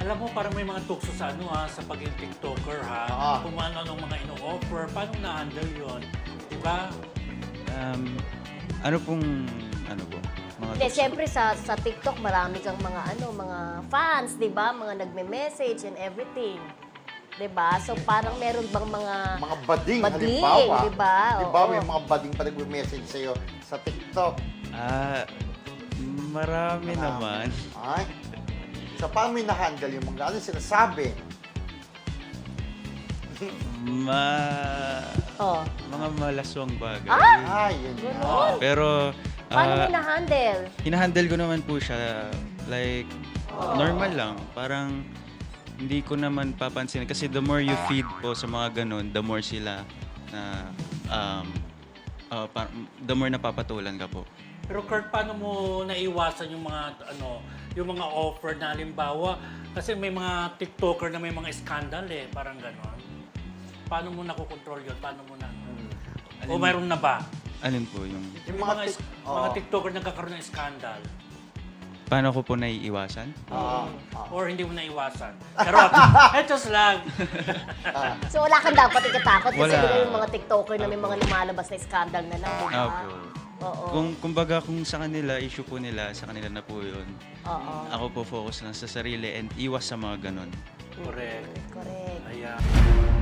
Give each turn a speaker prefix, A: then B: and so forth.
A: Alam mo, parang may mga tukso sa sa pagiging TikToker Kung ano mga ino-offer, paano na-handle yun? Diba?
B: Ano pong, mga
C: Hindi,
B: tukso?
C: siyempre sa TikTok marami kang mga fans, 'di ba? Mga nagme-message and everything. 'Di ba? So parang meron bang mga
D: bading,
C: bading,
D: halimbawa.
C: 'di ba?
D: Di ba,
C: Oo.
D: may mga bading pa nagme-message sa'yo sa TikTok.
B: Marami naman.
D: Ay? So, paano mo na-handle yung mga ano sinasabi?
C: Oh.
B: Mga malaswang bagay.
D: Ay, yun na.
C: Ganon.
B: Pero,
C: Paano mo na-handle?
B: hinahandle ko naman po siya, like, normal lang. Parang, hindi ko naman papansin. Kasi the more you feed po sa mga ganun, the more sila na, the more napapatulan ka po.
A: Pero Kurt, paano mo naiwasan yung mga offer na halimbawa? Kasi may mga TikToker na may mga scandal parang gano'n. Paano mo nakokontrol yun? Paano mo na? O mayroon na ba?
B: Alin po yung...
A: Yung mga TikToker nagkakaroon ng scandal.
B: Paano ko po naiiwasan?
A: Or hindi mo naiwasan. Pero, etos lang.
C: So wala kang dapat ikatakot kasi
B: Wala.
C: bigla yung mga TikToker na may mga lumalabas na scandal na lang, 'di ba?
B: Opo.
C: Oo.
B: Kumbaga kung sa kanila, issue po nila, sa kanila na po yun.
C: Oo.
B: Ako po focus lang sa sarili and iwas sa mga ganun.
A: Correct.
C: Correct.
A: Ayan.